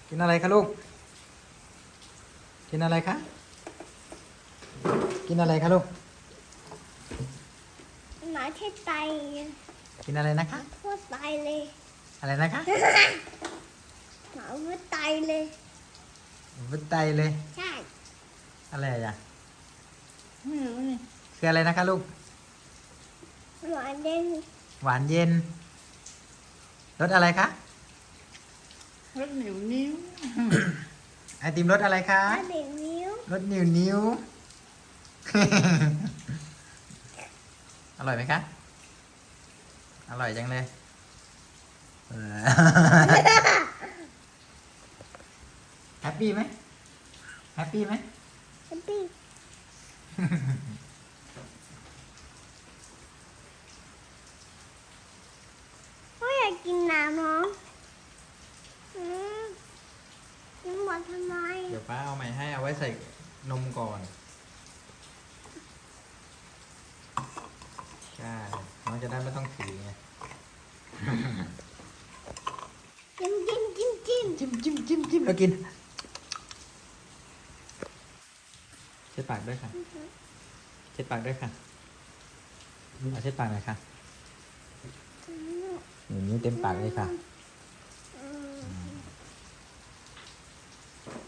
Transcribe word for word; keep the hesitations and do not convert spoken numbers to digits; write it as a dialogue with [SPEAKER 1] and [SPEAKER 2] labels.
[SPEAKER 1] กินอะไรคะลูก กินอะไรคะ กินอะไรคะลูก
[SPEAKER 2] หมาที่ไต
[SPEAKER 1] กินอะไรนะคะ
[SPEAKER 2] พูดไตเลย
[SPEAKER 1] อะไรนะคะ
[SPEAKER 2] หมาพูดไตเลย
[SPEAKER 1] วุ้นไตเลย
[SPEAKER 2] ใช่
[SPEAKER 1] อะไรอ่ะ
[SPEAKER 3] ไม่รู้นี่
[SPEAKER 1] คืออะไรนะคะลูก
[SPEAKER 2] หมาเด่น
[SPEAKER 1] หวานเย็น รสอะไรคะ
[SPEAKER 3] รสเหนียวนิ้ว
[SPEAKER 1] ไอติมรสอะไรคะ
[SPEAKER 2] หมาเด่นนิ้ว
[SPEAKER 1] รสนิ้วนิ้ว อร่อยไหมคะ อร่อยจังเลยเออ แฮปปี้ไหมแฮปปี้ไหม
[SPEAKER 2] แฮปปี้พ่ออยากกินน้ำเนาะอืมกินหมดทำไม
[SPEAKER 1] เดี๋ยวป้าเอาใหม่ให้เอาไว้ใส่นมก่อน ใช่ น้องจะได้ไม่ต้องถือไง
[SPEAKER 2] จิ้มจิ้มจิ้มจิ้ม
[SPEAKER 1] จิ้มจิ้มจิ้มจิ้มแล้วกินเช็ดปากด้วยค่ะ เช็ดปากด้วยค่ะเอาเช็ดปากหน่อยค่ะ
[SPEAKER 2] อืม
[SPEAKER 1] อย่างนี้เต็มปากเลยค่ะ